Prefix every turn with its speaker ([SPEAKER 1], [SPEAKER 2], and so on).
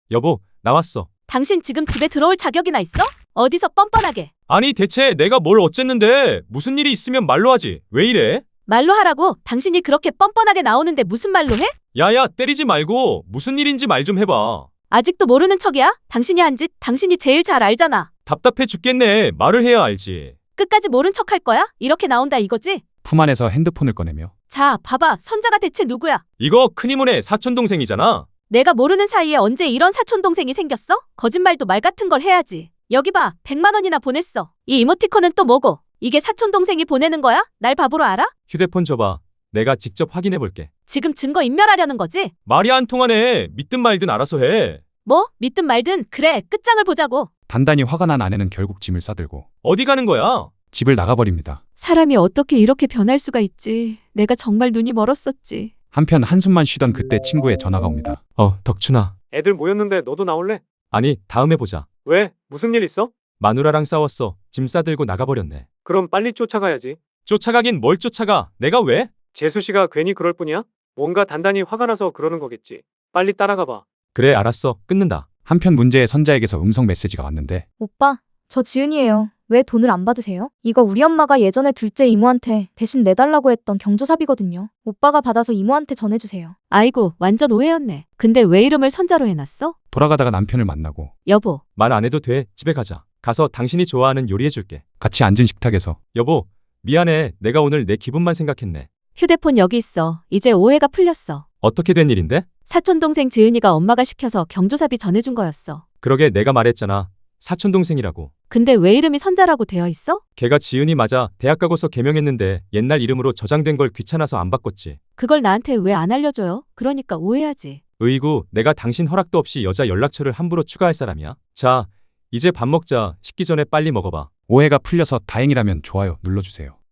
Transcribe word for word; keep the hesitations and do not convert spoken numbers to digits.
[SPEAKER 1] 여보, 나왔어.
[SPEAKER 2] 당신 지금 집에 들어올 자격이나 있어? 어디서 뻔뻔하게.
[SPEAKER 1] 아니, 대체 내가 뭘 어쨌는데? 무슨 일이 있으면 말로 하지. 왜 이래?
[SPEAKER 2] 말로 하라고. 당신이 그렇게 뻔뻔하게 나오는데 무슨 말로 해?
[SPEAKER 1] 야야, 때리지 말고 무슨 일인지 말 좀 해봐.
[SPEAKER 2] 아직도 모르는 척이야? 당신이 한 짓 당신이 제일 잘 알잖아.
[SPEAKER 1] 답답해 죽겠네. 말을 해야 알지.
[SPEAKER 2] 끝까지 모른 척 할 거야? 이렇게 나온다 이거지?
[SPEAKER 3] 품 안에서 핸드폰을 꺼내며
[SPEAKER 2] 자, 봐봐. 선자가 대체 누구야?
[SPEAKER 1] 이거 큰이모네 사촌동생이잖아.
[SPEAKER 2] 내가 모르는 사이에 언제 이런 사촌동생이 생겼어? 거짓말도 말 같은 걸 해야지. 여기 봐. 백만 원이나 보냈어. 이 이모티콘은 또 뭐고? 이게 사촌동생이 보내는 거야? 날 바보로 알아?
[SPEAKER 1] 휴대폰 줘봐. 내가 직접 확인해 볼게.
[SPEAKER 2] 지금 증거 인멸하려는 거지?
[SPEAKER 1] 말이 안 통하네. 믿든 말든 알아서 해.
[SPEAKER 2] 뭐? 믿든 말든 그래. 끝장을 보자고.
[SPEAKER 3] 단단히 화가 난 아내는 결국 짐을 싸들고
[SPEAKER 1] 어디 가는 거야?
[SPEAKER 3] 집을 나가버립니다.
[SPEAKER 2] 사람이 어떻게 이렇게 변할 수가 있지? 내가 정말 눈이 멀었었지.
[SPEAKER 3] 한편 한숨만 쉬던 그때 친구의 전화가 옵니다.
[SPEAKER 1] 어, 덕춘아.
[SPEAKER 4] 애들 모였는데 너도 나올래?
[SPEAKER 1] 아니, 다음에 보자.
[SPEAKER 4] 왜? 무슨 일 있어?
[SPEAKER 1] 마누라랑 싸웠어. 짐 싸들고 나가버렸네.
[SPEAKER 4] 그럼 빨리 쫓아가야지.
[SPEAKER 1] 쫓아가긴 뭘 쫓아가? 내가 왜?
[SPEAKER 4] 재수 씨가 괜히 그럴 뿐이야? 뭔가 단단히 화가 나서 그러는 거겠지. 빨리 따라가 봐.
[SPEAKER 1] 그래, 알았어. 끊는다.
[SPEAKER 3] 한편 문제의 선자에게서 음성 메시지가 왔는데
[SPEAKER 5] 오빠, 저 지은이에요. 왜 돈을 안 받으세요? 이거 우리 엄마가 예전에 둘째 이모한테 대신 내달라고 했던 경조사비거든요. 오빠가 받아서 이모한테 전해주세요.
[SPEAKER 2] 아이고, 완전 오해였네. 근데 왜 이름을 선자로 해놨어?
[SPEAKER 3] 돌아가다가 남편을 만나고
[SPEAKER 2] 여보,
[SPEAKER 1] 말 안 해도 돼. 집에 가자. 가서 당신이 좋아하는 요리해 줄게.
[SPEAKER 3] 같이 앉은 식탁에서
[SPEAKER 1] 여보, 미안해. 내가 오늘 내 기분만 생각했네.
[SPEAKER 2] 휴대폰 여기 있어. 이제 오해가 풀렸어.
[SPEAKER 1] 어떻게 된 일인데?
[SPEAKER 2] 사촌동생 지은이가 엄마가 시켜서 경조사비 전해준 거였어.
[SPEAKER 1] 그러게 내가 말했잖아. 사촌동생이라고.
[SPEAKER 2] 근데 왜 이름이 선자라고 되어 있어?
[SPEAKER 1] 걔가 지은이 맞아. 대학 가고서 개명했는데 옛날 이름으로 저장된 걸 귀찮아서 안 바꿨지.
[SPEAKER 2] 그걸 나한테 왜 안 알려줘요? 그러니까 오해하지.
[SPEAKER 1] 으이구, 내가 당신 허락도 없이 여자 연락처를 함부로 추가할 사람이야? 자, 이제 밥 먹자. 식기 전에 빨리 먹어봐.
[SPEAKER 3] 오해가 풀려서 다행이라면 좋아요 눌러주세요.